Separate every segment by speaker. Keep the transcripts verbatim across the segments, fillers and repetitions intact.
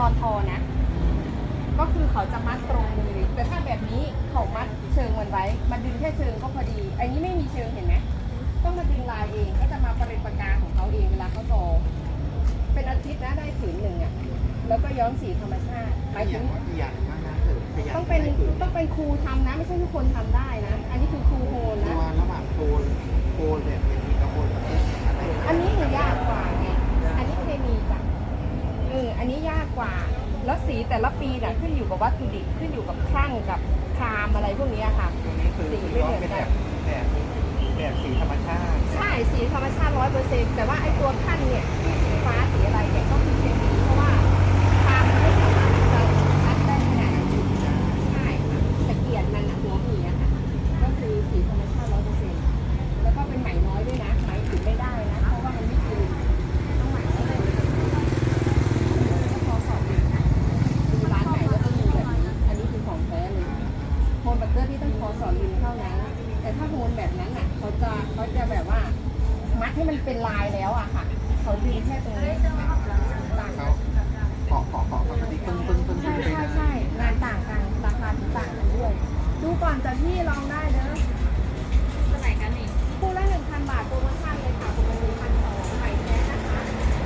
Speaker 1: อนทอนะก็คือเขาจะมัดตรงมือแต่ถ้าแบบนี้เขามัดเชิงมันไว้มาดึงแค่เชิงก็พอดีอันนี้ไม่มีเชิงเห็นไหมต้องมาดึงลายเองก็จะมาประเด็นประการของเขาเองเวลาเขาทอเป็นอาทิตย์นะได้ผืนหนึ่งอ่ะแล้วก็ย้อมสีธรรมชาติหมายถึงต้องเป็นต้องเป็นครูทำนะไม่ใช่ทุกคนทำได้นะอันนี้คือครูโฮนนะ
Speaker 2: ระหว่างโคนโคนแบบนี้กับโคนแบบนี้
Speaker 1: อันนี้คือยากกว่าไงอันนี้เคมีจ้ะเอออันนี้ยากกว่าแล้วสีแต่ละปีน่ะขึ้นอยู่กับวัตถุดิบขึ้นอยู่กับครั่งกับครามอะไรพวกนี้ค่ะ
Speaker 2: ตัวนี้คือสีไม่เหมือนกันแบบแบบสีธรรมชาติ
Speaker 1: ใช่สีธรรมชาติร้อยเปอร์เซ็นต์แต่ว่าไอ้ตัวขั้นเนี่ยที่สีฟ้าสีอะไรเนี่ยก็คือเคมีเพราะว่าครามมันไม่สามารถที่จะชัดได้ขนาดนั้นใช่ค่ะตะเกียบมันหัวหมีอะค่ะก็คือสีธรรมชาติร้อยเปอร์เซ็นต์แล้วก็เป็นไหมน้อยด้วยนะไหมถึงไม่ได้นะเพราะว่ามันไม่คืนต้องไหมน้อยเลยก็พอสอบเองนะดูร้านไหนก็ต้องมีแบบนี้อันนี้คือของแท้เลยโฮมบัตเตอร์ที่ต้องพอสอนลินเท่านั้นแต่ถ้าโฮนแบบนั้นอ่ะเขาจะเขาจะแบบว่ามัดให้มันเป็นลายแล้วอะค่ะเขาดึงแค่ตรงนี้ต่าง
Speaker 2: เขาเกาะเกาะเกาะปกติปึ้งปึ้งปึ้ง
Speaker 1: ใช่ใช่ใช่งานต่างกันราคาถึงต่างกันด้วยดูก่อนจะพี่ลองได้เด้อเท่าไหร่กันนี่คู่ละหนึ่งพันบาทโปรโมชั่นเลยค่ะปกติพันสองใหม่แท้นะคะ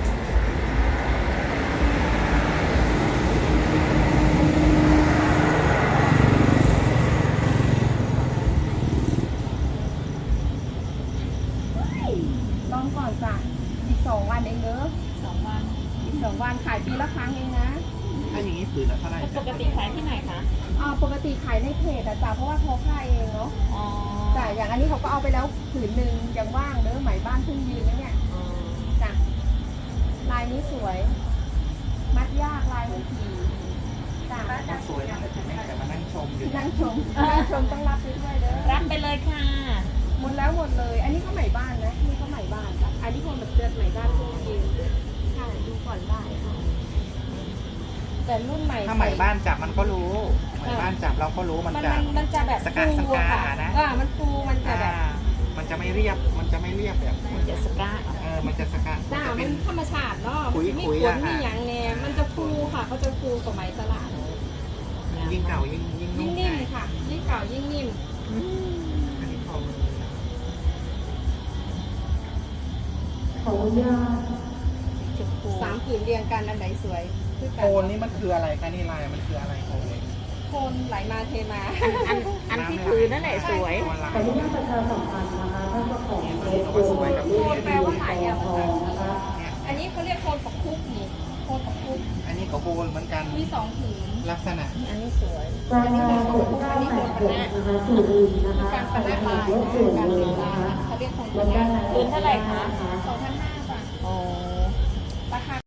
Speaker 1: ลองก่อนจ้ะอีกสองวันเองเด้อสองวันอีกสองวันขายปีละครั้งเองนะ
Speaker 2: ถ้าอย่างนี้ผืนละเท่าไหร่
Speaker 3: ปกติขายที่ไหนคะ
Speaker 1: อ่าปกติขายในเพจอะจ้ะเพราะว่าเขาขายเองเนาะอ๋อจ้ะอย่างอันนี้เขาก็เอาไปแล้วผืนหนึ่งยังว่างเด้อไหมบ้านเพิ่งยืนนะเนี่ยจ้ะลายนี้สวย มัดยากลายมันทีจ้ะ
Speaker 2: มันสวยนะแต่มานั่งชมอยู่
Speaker 1: นั่งชมนั่งชมต้องรับไปด้วยเด้อ
Speaker 3: รับไปเลยค่ะ
Speaker 1: หมดแล้วหมดเลย อันนี้ก็ไหมบ้านนะนี่ก็ไหมบ้านจ้ะอันนี้คนแบบเตือนไหมบ้านเพิ่งยืนใช่ดูก่อนได้ค่ะแต่รุ่นใหม่
Speaker 2: ถ้าไหมบ้านจับมันก็รู้ไหมบ้านจับเราก็รู้มันจะ
Speaker 1: มันจะแบบ
Speaker 2: สกัดสกัดนะ
Speaker 1: อ่ามันฟูมันจะแบบ
Speaker 2: มันจะไม่เรียบมันจะไม่เรียบแบบ
Speaker 3: มันจะสกัด
Speaker 2: เออมันจะสกัด
Speaker 1: จ้ามันธรรมชาติเนาะ
Speaker 2: คุย
Speaker 1: มี
Speaker 2: คุย
Speaker 1: ขนมีอย่างแน่มันจะฟูค่ะเขาจะฟูกว่าไหมตลาด
Speaker 2: ยิ่งเก่ายิ่งยิ่ง
Speaker 1: ยิ่งนิ่มค่ะยิ่งเก่ายิ่งนิ่ม
Speaker 2: อันนี้พอมือ
Speaker 1: ขออนุญาตสามผืนเรียงกันอันไหนสวย
Speaker 2: โคนนี่มันคืออะไรคะนี่ลายมันคืออะไรโคน
Speaker 1: โคนไหลมาเทมา
Speaker 3: อันอันที่คือนั่นแหละสวย
Speaker 1: ขออนุญาตประชาสัมพันธ์นะคะท่านเจ้าของโคนแปลว่าไหลอะนะคะอันนี้เขาเรียกโคนปักคุกนี่โคนปักคุก
Speaker 2: อันนี้ก็โคนเหมือนกัน
Speaker 1: มีสองผืน
Speaker 2: ลักษณะ
Speaker 1: อันนี้สวยอันนี้โคนปักคุกอันนี้โคนปะนะการปะนะลายการเรียงลายเขาเรียกโคนปะนะ
Speaker 3: คืนเท่าไหร่คะ
Speaker 1: สองพันห้าบาท
Speaker 3: อ๋อ
Speaker 1: ราคา